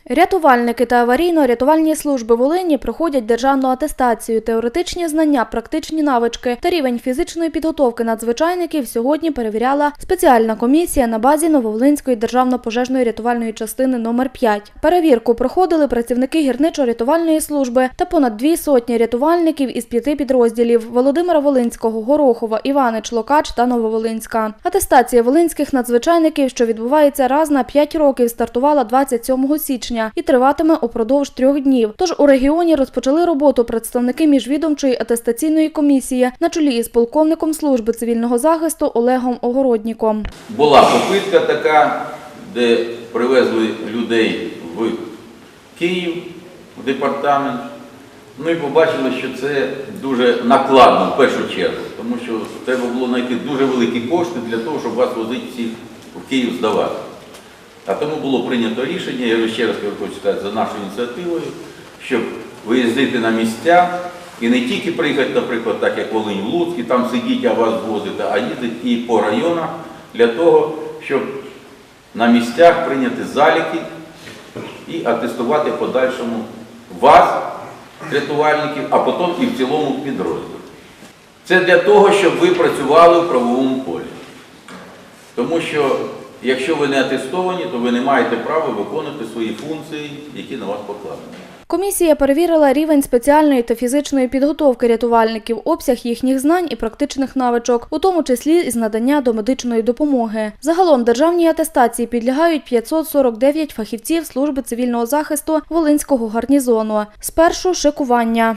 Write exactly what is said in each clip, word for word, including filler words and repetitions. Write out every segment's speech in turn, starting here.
Рятувальники та аварійно-рятувальні служби Волині проходять державну атестацію. Теоретичні знання, практичні навички та рівень фізичної підготовки надзвичайників сьогодні перевіряла спеціальна комісія на базі Нововолинської державно-пожежної рятувальної частини номер п'ять. Перевірку проходили працівники гірничо-рятувальної служби та понад дві сотні рятувальників із п'яти підрозділів – Володимира Волинського, Горохова, Іванич, Локач та Нововолинська. Атестація волинських надзвичайників, що відбувається раз на п'ять років, стартувала двадцять сьомого січня і триватиме упродовж трьох днів. Тож у регіоні розпочали роботу представники міжвідомчої атестаційної комісії на чолі із полковником служби цивільного захисту Олегом Огородніком. Була попитка така, де привезли людей в Київ, в департамент, ну і побачили, що це дуже накладно в першу чергу, тому що треба було знайти дуже великі кошти для того, щоб вас возити всіх в Київ здавати. А тому було прийнято рішення, я ще раз хочу сказати, за нашою ініціативою, щоб виїздити на місця і не тільки приїхати, наприклад, так як Волинь, в Луцьк, і там сидіти, а вас возити, а їздити і по районах для того, щоб на місцях прийняти заліки і атестувати в подальшому вас, рятувальників, а потім і в цілому підрозділі. Це для того, щоб ви працювали в правовому полі. Тому що якщо ви не атестовані, то ви не маєте права виконувати свої функції, які на вас покладені. Комісія перевірила рівень спеціальної та фізичної підготовки рятувальників, обсяг їхніх знань і практичних навичок, у тому числі із надання домедичної допомоги. Загалом державній атестації підлягають п'ятсот сорок дев'ять фахівців служби цивільного захисту Волинського гарнізону. Спершу шикування.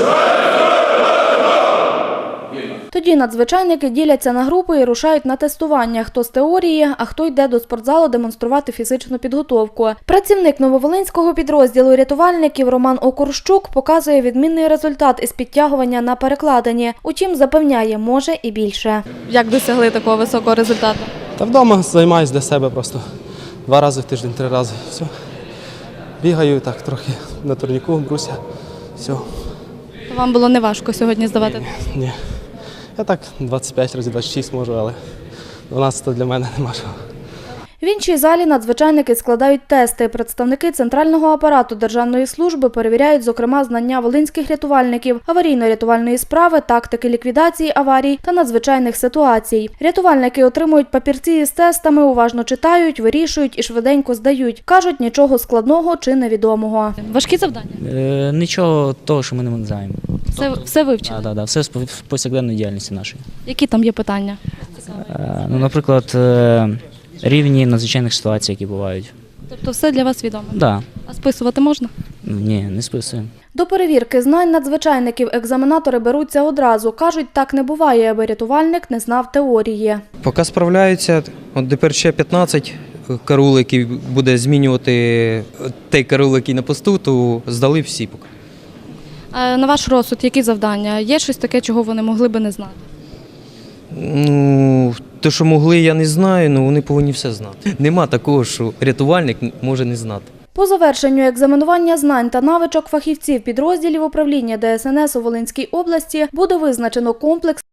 Тоді надзвичайники діляться на групи і рушають на тестування, хто з теорії, а хто йде до спортзалу демонструвати фізичну підготовку. Працівник нововолинського підрозділу рятувальників Роман Окурщук показує відмінний результат із підтягування на перекладині. Утім, запевняє, може і більше. Як досягли такого високого результату? Та вдома займаюся для себе просто. Два рази в тиждень, три рази. Все. Бігаю так трохи на турніку, бруся. Все. Вам було не важко сьогодні здавати? Ні. Я так двадцять п'ять разів, двадцять шість можу, але дванадцять для мене нема чого. В іншій залі надзвичайники складають тести. Представники центрального апарату державної служби перевіряють, зокрема, знання волинських рятувальників, аварійно-рятувальної справи, тактики ліквідації аварій та надзвичайних ситуацій. Рятувальники отримують папірці із тестами, уважно читають, вирішують і швиденько здають. Кажуть, нічого складного чи невідомого. Важкі завдання? Е, нічого того, що ми не знаємо. Все, тобто, все вивчили? Так, да, да, все з повсякденної діяльності нашої. Які там є питання? Е, ну, наприклад, е, рівні надзвичайних ситуацій, які бувають. Тобто все для вас відомо? Так. Да. А списувати можна? Ні, не списуємо. До перевірки знань надзвичайників екзаменатори беруться одразу. Кажуть, так не буває, аби рятувальник не знав теорії. Поки справляються, от тепер ще п'ятнадцять караул, який буде змінювати той караул, який на посту, то здали всі поки. А на ваш розсуд, які завдання? Є щось таке, чого вони могли би не знати? Ну, те, що могли, я не знаю, але вони повинні все знати. Нема такого, що рятувальник може не знати. По завершенню екзаменування знань та навичок фахівців підрозділів управління Де Ес Ен Ес у Волинській області буде визначено комплекс